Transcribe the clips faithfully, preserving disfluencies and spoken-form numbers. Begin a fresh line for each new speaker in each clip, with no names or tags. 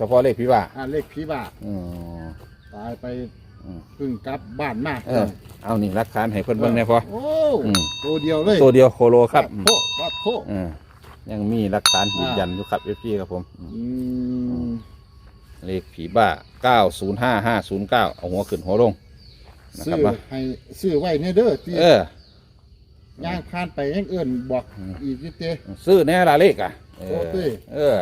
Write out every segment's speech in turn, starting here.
ฉพาะเลขพี่ว่า
อ่าเลขผีบ้า
อืม
ตายไปเพิ่งกลับบ้านมา
เออเอานี่หลักฐานให้เพิ่นเบิ่งแน่พอ
โอ้ตัวเดียวเลย
ตัวเดียวโคโลครับ
โควัดโค
เออยังมีหลักฐานยืนยันอยู่ครับ เอฟ ซี ครับผม
อืม
เลขผีบ้าเก้าศูนย์ห้า ห้าศูนย์เก้าเอาหัวขึ้นหัวลง
ซื้อให้ซื้อไว้ในเด้อที่ย่างผ่านไปยังเอื่นบอกอีกนิดเดียว
ซื้อแน่ละเลขอ่ะเออเออ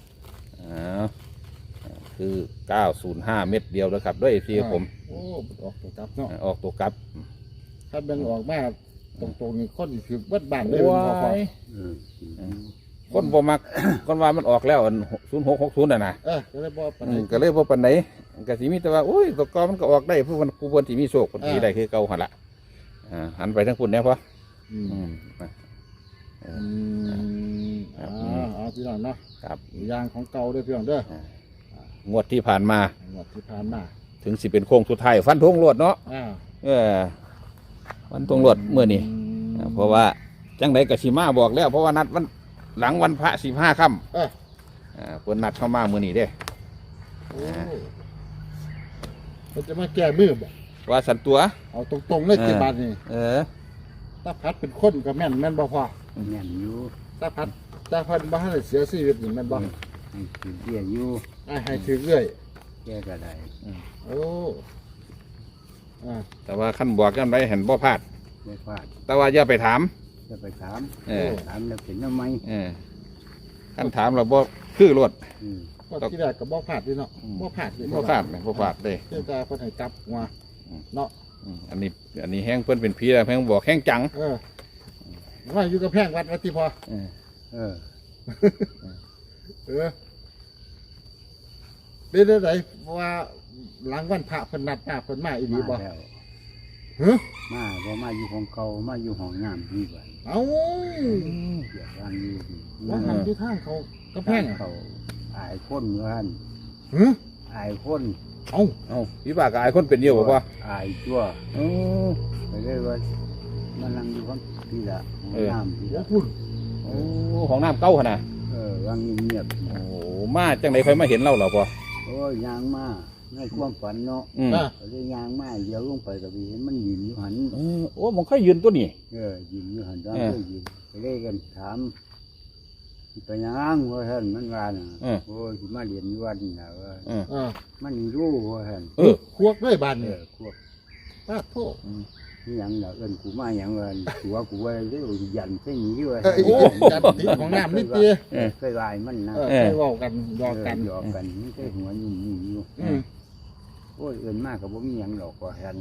คือเก้าศูนย์ห้าเม็ดเดียวแล้วครับด้วยที่ผม
โอ้ออกตัวกลับเนาะ
ออกตัวกลับ
ถ้าเป็นออกมาตรงๆนี่คนถือวัดบ้านเลยพอพอ
คนบ่มักคนว่ามันออกแล้วศูนย์หกหกศูนย์น่ะนะ
เออก็เลยบ่ปานไหน
ก็เลยบ่ปานไหนก็สิมีแต่ว่าโอ้ยตัวกอมันก็ออกได้ผู้คนผู้คนที่มีโชคคนที่ได้คือเก่าหั่นล่ะอ่าหันไปทั้งคุณแน่พอ
อืมอืมอ๋ออ๋อพี่น้องเนาะ
ครับ
ยางของเก่าด้วยพี่น้องเด้
องวดที่ผ่านมาง
วดที่ผ่านมา
ถึงสิเป็นโค้งสุดท้ายฟันธงรวดเนาะเออฟันธงรวดเมื่อนี้เพราะว่าจังไดกับสีมาบอกแล้วเพราะว่านัดวันหลังวันพระสิบห้าค่ำเออเพิ่นนัดเข้ามาเมื่อนี้เด้
มันจะมาแก้มือบ่
ว่าสันตัว
เอาตรงๆเลยเจ็ดบาทนี่
เออ
ตาพัดเป็นคนก็แม่นแม่นบ่พอ
แม่นอยู่
ตาพัดตาพัดบ้านเสียชีวิตนี่แม่นบ่
ให้ถือเรื่อยอยู่
ให้ถือเรื่อย
แก้ก็ได้
โอ้
แต่ว่าขั้นบอกกันไปเห็นบ่พลาด
ไม่พลาด
แต่ว่าอย่าไปถาม
อย่าไปถามถามแล้วเป็นทำไม
ขั้นถามเราบ่คือรวด
ก็ที่แรกก็บ่พลาดดิเนาะบ่พลาดดิ
บ่พลาดเลยบ่พลาดเลย
เจ้าตาเพิ่นให้จับมาเนาะ
อันนี้อันนี้แห้งเพิ่นเป็นผีแล้วแห้งบอกแห้งจัง
เออว่าอยู่กับแพงวัดวัดที่พอ
เออเออ
เออเป็นอะไรว่าหลังวันพระเพิ่นนัดหน้าเพิ่นมาอีหลีบ่
ฮะมาบ่มาอยู่ของเก่ามาอยู่ห้องน้ำดีกว่า
เอ้า
เดี๋ยววางอยู่
ว่าหันที่ทางเขาก็แพง
เขาอายคนเหมือน
ฮะ
อายคน
เอ้าเอ้าพี่บ่ากอายคนเป็นเดียวบ่พ่อ
อายตัวเออไปเลยว่ามันนั่งอยู่ของพี่ละห้องน้ำพี่ละ
คุณ
โอ้ห้องน้ำเก่าขนาด
เออวางเงียบ
โอ้มาจังไหนค่อยมาเห็นเราเหรอพ่อ
โอ้ยยางมาในความฝันเนาะเลยยางมาเดี๋ยวลงไปกับพี่เห็นมันยืนอยู่หัน
โอ้มันค่อยยืนตัวนี้
เออยืนอยู่หันตอนนี้ยืนไปเล่กันถามไปยังว่าเห็นมันว่าน่ะโอ้ยมาเรียนอยู่วันนี่นะว่ามันรู้ว่าเห็น
เออควักด้วยบาน
เนี่ยควัก
ป้าโทษ
นี่ยังเนาะเอิญกูมาอย่างเงินกูว่ากูว่าเรื่องยันเส้นนี้ด้วย
โอ้ยันติดของน้ำนิดเดียว
เคยลายมันนะ
เคยบอกกันยอกัน
ยอกันไม่ใช่หัวยุ่งยุ่งอยู่โอ้ยเอิญมากกับว่ามีอย่างหลอกกว่าเห็น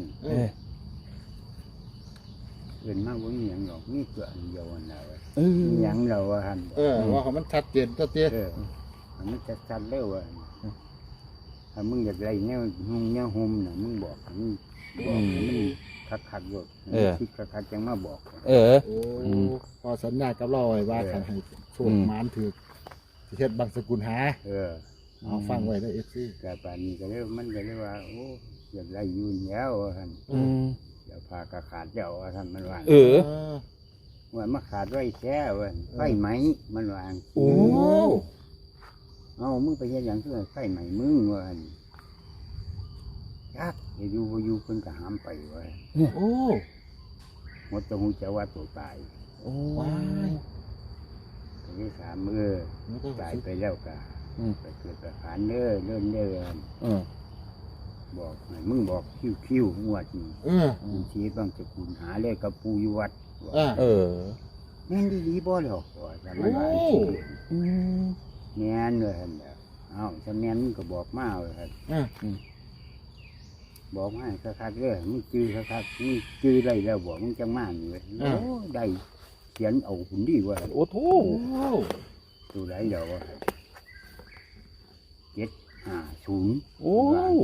เอิญมากว่ามีอย่างหลอกนี่เกิดเดียวนะมีอย่างเราว่าหัน
เออว่าเขามันชัดเจนตัวเตี้ย
มันจะชัดเร็วอ่ะถ้ามึงอยากไรเนี่ยหุ่มเนี่ยหุ่มน่ะมึงบอกมึงบอกมึงคักคักอยู่คิดคักคักจังมาบอก
เออ
โอ้พอสัญญากับเราไว้ว่าคันให้ช่วงมานถือเฮ็ดบางสกุลหา
เออ
เอาฟังไว้ได้เอฟซี
แต่ป่านนี้ก็เลยมันก็เลยว่าโอ้อยากไรอยู่แล้วท่านเดี๋ยวพากระขาดเดี๋ยวท่านมันว่า
เออ
ว่ามาขาดไว้แช่เว้ยไฟไหมมันวาง
โอ้
เอามึงไปเฮ็ดอย่างเพื่อไฟไหมมึงว่ายักอย่าอยู่อยู่เพิ่นก็หามไปไว้
โอ้
หมดตัวหูจะว่าตัวตาย
โอ้
ยตัวที่สามมือตายไปแล้วก็ไปเกิดประหารเด้อเดินเด้อบอกมึงบอกคิ้วคิ้วงวดนี่มึงชี้บ้างจะกูหาเลขกับปูอยู่วัด
เออ
แม่นดีๆบ่หรอกแต่มันว่าแม่นเลยฮะเอาถ้าแม่นมึงก็บอกมาเลยครับบอกมาคักๆเลยมึงจื้อคักๆมึงจื้อได้แล้วบอกมึงจังมาอยู่เลยโอ้ได้เขียนเอาหุ่นดีกว่า
โอ้โถ
ตัวไหนเดี๋ยวเจ็ดห้าศูนย์
โอ้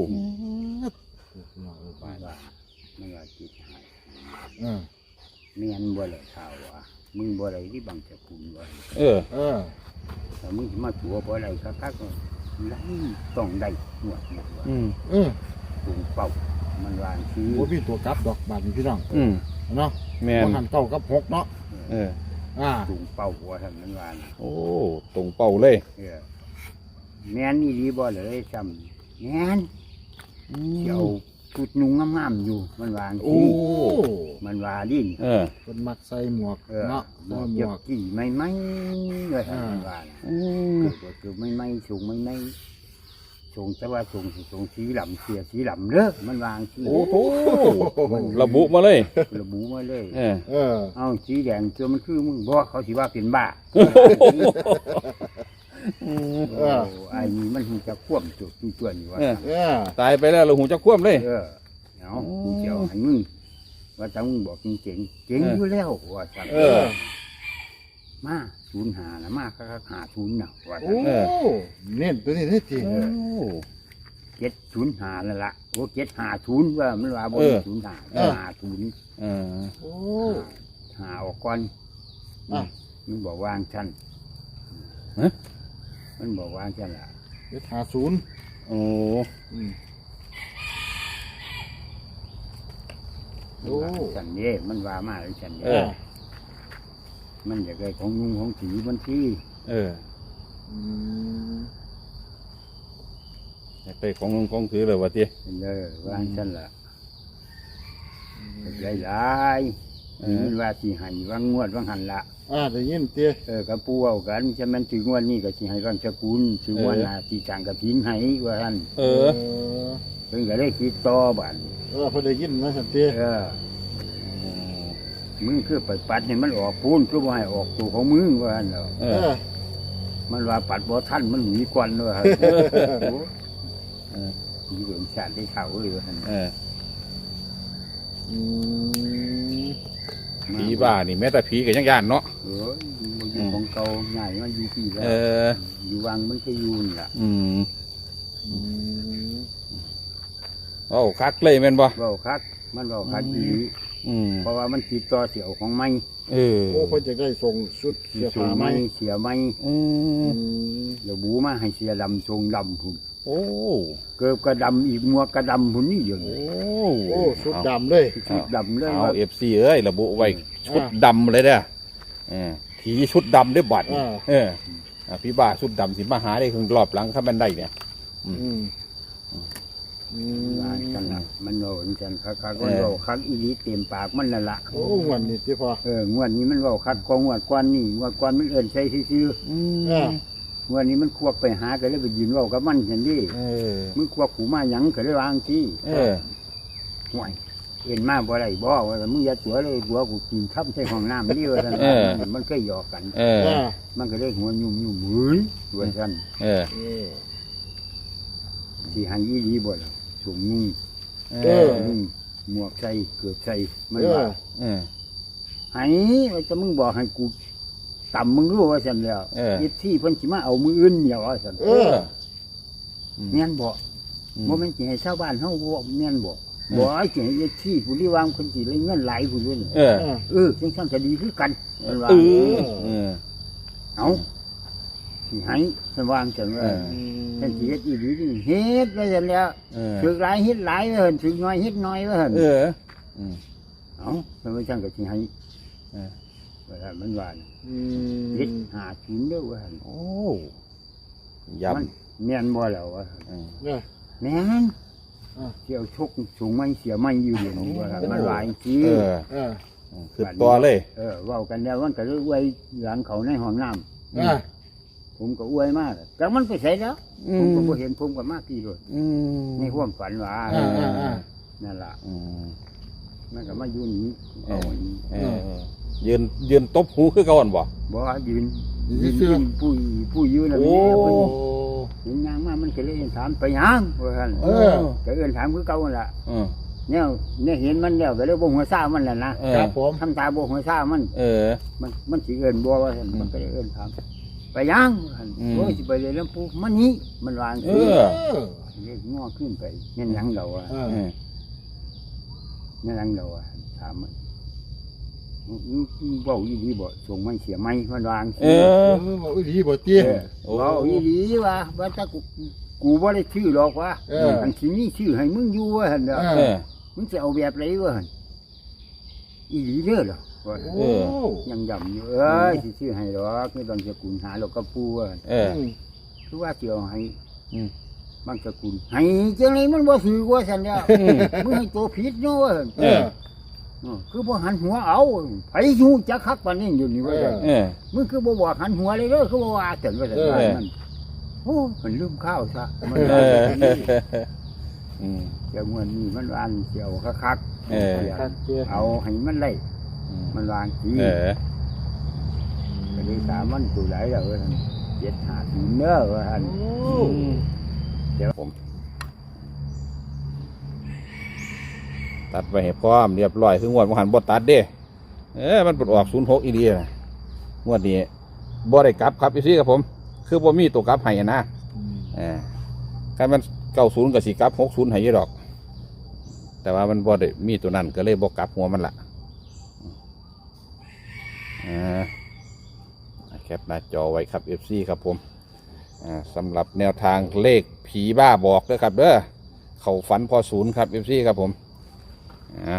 ว่าว่าไม่ว่าเจ็ดห้าเมียนบ่เลยข่าวว่ามึงบ่เลยที่บังจะคุณว่า
เออ
เออ
แต่มึงมาตัวบ่เลยคักๆก็ไล่ต้องได้หมดหมดว่า
อืม
เออ
ตุ่มเป่ามันวางซื้อ
โอ้พี่ตัวกับดอกบานพี่น้อง
อืม
เนาะ
แม่น
หันเก้ากับหกเนาะ
เออ
อ่า
ตุ่มเป่าหัวท่านมันวาง
โอ้ตุ่มเป่าเลย
เออแม่นอีหลีบ่เลยซ้ำแม่นเจ้าพุดนุ่งงามๆอยู่มันวาง
โอ้
มันว่าดิ้น
เออ
คนมักใส่หมวก
เออ
เนาะ
หม
ใส่
วก
หม
เก็บ
วก
กี่ไม่ไม่เลยมันว่า
อืม
เกิดเกิดไม่ไม่สูงไม่ไม่สูงแต่ว่าสูงสูงสีหลำเสียสีหลำเด้อมันวางสี
โอ้โหระบุมาเลย
ระบุมาเลย
เออ
เออ
เอาสีแดงตัวมันคือมึงบอกเขาสิว่าเป็นบ้า
เออ
โอ้ไอ้นี่มันคงจะควบจุดตัวนี่ว่า
เออ
เออ
ตายไปแล้วเราหูจะคว่ำเลย
เออเอากูเจียวให้มึงว่าถ้ามึงบอกจริงเจ๋งเจ๋งอยู่แล้วว่าจัง
เออ
มาศูนย์หานะมาคักๆหาศูนย์น่ะว่า
โอ้
จัง
เน้นตัวนี้ได้จริง
โอ้
เจ็ดศูนย์หานั่นละโอ้เจ็ดหาศูนย์ว่ามันว่าบน
เออ
ศูนย์หาหาศูนย์
เออ
โอ้
หาออกก่อน
อ่ะ
มันบอกวางชั้น
ฮะ
มันบอกวางชั้นละ
เจ็ดห้าศูนย์
โอ้
อืม
มันวางชั้นเด้มันว่ามาเลยชั้น
เอ
เด้
อ
มันอยากได้ของยุงของสีมันที่
เออ
อืม
ไปของลงของถือเลยวะเตี้ย
เป็นเลยวางชั้นละหลายหลายๆนี่มันว่าสีให้วางงวดวางหันละ
อ่าได้ยินเตี้ย
เออกระปูเอากันจะมันถึงวันนี้ก็สิให้วางสกุลถึงวันหน้าที่จางกระถินให้ว่าท่าน
เออ
เพิ่งก็ได้คิดต่อบัด
เออพอได้ยินนะสันเตี้ย
เออมึงคือไปปัดให้มันออกพูนคือว่าให้ออกตัวของมึงว่าหั่นเนาะ
เอ
เอ
อ
อ
มันว่าปัดบ่ทันมันหนีกวนด้วยครับ
เออ
มีเรื่องชาติได้เขาเลยว่าหั่น
เออ
อืม
ผีบ้านี่แม้แต่ผีก็ยังย่านเนาะ
เออมันอยู่ของเก่าใหญ่มันอยู่ที่แล้
เอ
ว
อ
อยู่วังมันก็อยู่นี่ล่ะ
อืม
อืม
โอ้คักเลยแม่นบ่
เว้าคักมันเว้าคักอีหลี
อืม
เพราะว่ามันติดต่อเสียวของไม้
เออ
โอ้เพิ่นจะได้ส่งชุดเสื้อ
สู
ผ้าง ไหม
ไม้เสียไม้
อื
อื
ม
ม
เดี๋ยวบูมาให้เสียดำทรงดำพุ่น
โอ้
เกิบกระดำอีกมัวกระดำพุ่นนี่อยู่
โอ้
โอ้ชุดดำเลย
ชุดดำเลย
เอา
ว่า
เอฟซีเอ้ยระบุไว้ชุดดำเลยเด้อเออผีชุดดำได้บัด
อ่า
เอออ่ะพี่บ้าชุดดำสิมาหาได้ครึ่งรอบหลังข้าบันไดเนี่ย
อืมอืม
ว่าจังละมันโหนจังคักคักมันโหคักอีหลีเต็มปากมันนั่นละ
โอ้วันนี้ที่พอ
เอองวดนี้มันโหคักกว่างวดกวนนี่งวดกวนมันเอิ่นใช้ซื่อ
อืม
อ่า
ๆงวดนี้มันควบไปหาก็เลยไปยืนเว้ากับมันเห็นดิ
เออ
มึงควบกูมาหยังก็เลยวางที่
เออ
ห่วยเอ็นมาบ่ได้บ่ว่ามึงอย่าตัวเลยหัวกูกินทับใส่ห้องน้ำนี่ว่าซั่น
เออ
มันก็หยอกกัน
เออ
อ่า
มันก็เลยหัวยุ่มยุ่มมือยว่าซั่น
เออ
เออ
สิหันอีหลีบ่ล่ะสูงนุ่ง
เออ
นุ่งหมวกใส่เกือบใส่มัน
เอ
ว่า
อ
เออ
ไห้จะมึงบอกให้กูต่ำมึงรู้ว่าฉันแล้ว
เออ
ยิดที่เพิ่นสิมาเอามืออื่นเดียวว่าฉัน
เออ
แม่นบอกโมเมนต์สิให้ชาวบ้านเฮาบ่แม่นบอกบอกไอ้สิให้ยิดที่ผู้ที่วางคนสิเลยเงินหลายผู้ด้วย
เออ
เออจังซั่นก็ดีคือกันเพิ่นว่า
เออเออ
เอาสิให้ฉันวางจังว่า
เออ
ฉันสิเฮ็ดอีหลีนี่เฮ็ดว่าซั่นแล้ว
เออ
ถึกหลายเฮ็ดหลายว่าหั่นถึกน้อยเฮ็ดน้อยว่าหั่น
เอออืม
เอาฉันว่าจังก็สิให้
เออ
ว่าซั่นมันว่าน่ะ
อื
เฮ็ด
ม
หากินเด้อว่าหั่น
โอ้
มัน
ยำ
แม่นบ่แล้วว่า
เออ
เนี่ย
แม่น
อ่า
เที่ยวชกสูงไม่เสียไม่อยู่เดี๋ยวนี้ว่ามันหลายที
เออ
เออ
คือตัวเลย
เออเว่ากันแล้วมันก็เลยอวยหลังเขาในห้องน้
อ่า
ำผมก็อวยมากแต่มันไปใส่แล้ว
อื
ผม
ม
ก็บ่เห็นผมก็มากที่เลย
อืม
ในห้วามฝันว่า
อ่าอ่าอ่า
นั่นล่ะ
อืม
มันก็มาอยู่นี่
เอ
เอา
อ
อันนี้
เออเออยืนยืนตบหูคือเก่อนบ่
บ่ยืน
ยื
ยื
น
น
ซื่อ
ยืนผู้ผู้ยืนน่ะ
โอ้
แม่
โอ้
เพิ่นเห็นยางมามันก็เลยถามไปหยังว่าซั่น
เออ
ก็เอิ้นถามคือเก่านั่นล่ะ
เออ
เนี่ยเนี่ยเห็นมันแล้วก็เลยบ่หัวซ่ามันแหละนะ
เออ
ครับผม
ทำตาบ่หัวซ่ามัน
เออ
มันมันสิเอิ้นบ่ว่าซั่น
อืม
มันก็เลยเอิ้นถามไปยังหั่น
อืม
โอ้ยสิไปเลยลำปูมันนี้มันวาง
เอ
สิ
อ
เออ
เรียกง้อขึ้นไปแม่นหยังเราอ่ะ
เอ
เอ
อ
อ
แม่นหยังเราอ่ะถามมันอืมอืมเว้าอีหลีบ่ส่งไม่เสียไม่มันวางสิ
เอ
เอ
อ
อบอกอีหลีบ่เตี้ย
เออ
โอ้
เว้าอีหลีว่าว่าถ้ากูกูบ่ได้ชื่อหรอกว่า
เออ
อันสิมีชื่อให้มึงอยู่ว่าหั่นเด้อ
เอ
เออ
มึงจะเอาแบบไรวะหั่นอีหลีเด้อเหรอว่า
โอ้
ยังย่ำอยู่เอ้ยสิชื่อให้หรอกไม่ต้องจะกุนหาหรอกก็ปูว่าหั่น
เออ
อืม
คือว่าเสียวให้
อืม
บางสกุลให้จังไดมันบ่ถือว่าซั่นแล้วมึงให้ตัวผิดเนาะว่า
เออ
เออคือบ่หันหัวเอาไผฮู้จักคักปานนี้อยู่นี่ว่าซั่น
เออ
มึงคือบ่บอกหันหัวเลยเด้อคือบ่ว่าซั่นว่าซั่น
เออ
ว่ามันโอ้มันลืมข้าวซะมัน
เอ
ว่า
อ
อย่างนี้
อืม
เจ้าม่วนนี่มันวางเสียวคัก
เออ
ครับเจ้า
ๆเอาให้มันได้มันวางสี
เออ
ก็เลยถามมันตัวไหนแล้วว่าซั่นเจ็ดห้าศูนย์เด้อว่าซั่น
โอ้
เดี๋ยวผมตัดไปให้พร้อมเรียบร้อยคืองวดมหันบ่ตัดเด้เออมันปลดออกศูนย์หกอีดีนะงวดนี้บ่ได้กลับครับพี่ซี่ครับผม คือบ่มีตัวกลับให้นะ
อืม
เอ่าคันมันเก้าศูนย์กับสี่กลับหกศูนย์ให้อยี่ดอก แต่ว่ามันบ่ได้มีตัวนั้นก็เลยบ่กลับหัวมันละอ่าแคปหน้าจอไว้ครับ เอฟ ซี ครับผมอ่าสำหรับแนวทางเลขผีบ้าบอกด้วยครับเด้อเขาฝันพอศูนย์ครับ เอฟ ซี ครับผมอ่า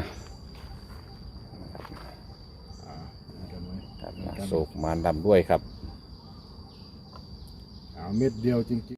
อ่าเอากันไว้
ครับโศกมารดำด้วยครับ
เอาเม็ดเดียวจริงๆ